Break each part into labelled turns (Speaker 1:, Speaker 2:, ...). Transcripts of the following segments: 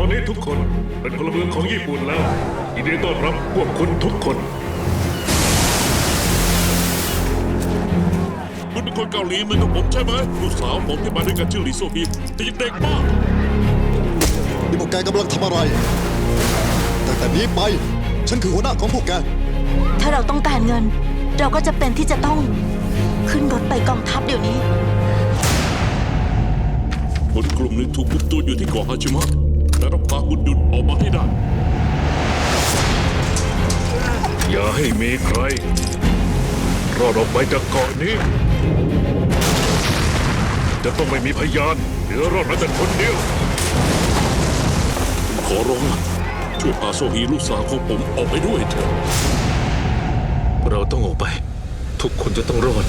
Speaker 1: อนนี้ทุกคนเป็นพลเมืองของญี่ปุ่นแล้วยินดีต้อนรับพวกคุณทุกคน
Speaker 2: คุณเป็นคนเกาหลีเหมือนกับผมใช่ไหมลูกสาวผมที่มาด้วยกันชื่อหลีโซฮีแต่ยังเด็กมาก
Speaker 3: นี่พวกแกกำลังทำอะไรตั้งแต่นี้ไป ฉันคือหัวหน้าของพวกแก
Speaker 4: ถ้าเราต้องการเงิน เราก็จะเป็นที่จะต้องขึ้นรถไปกองทัพเดี๋ยวนี้
Speaker 2: คนกลุ่มหนึ่งถูกคุมตัวอยู่ที่เกาะฮาชิมะและต้องพาคุณดุนออกมาให้ได้
Speaker 1: อย่าให้มีใครรอดออกไปจากเกาะนี้ จะต้องไม่มีพยานเหลือรอดแม้แต่คนเดียว
Speaker 2: ขอร้องล่ะช่วยพาโซฮีลูกสาวของผมออกไปด้วยเถอะ
Speaker 1: เราต้องออกไป ทุกคนจะต้องรอด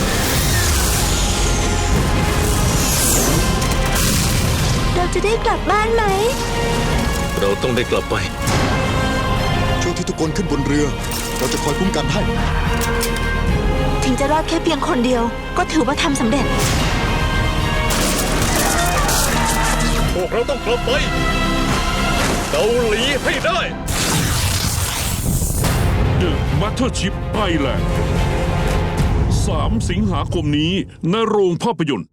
Speaker 4: เราจะได้กลับบ้านไหม
Speaker 1: เราต้องได้กลับไป
Speaker 3: ช่วงที่ทุกคนขึ้นบนเรือ เราจะคอยคุ้มกันให้
Speaker 4: ถึงจะรอดแค่เพียงคนเดียว ก็ถือว่าทำสำเร็จ
Speaker 1: พวกเราต้องกลับไปเกาหลีให้ได้
Speaker 2: The Mothership Thailand 3 สิงหาคมนี้ณโรงภาพยนตร์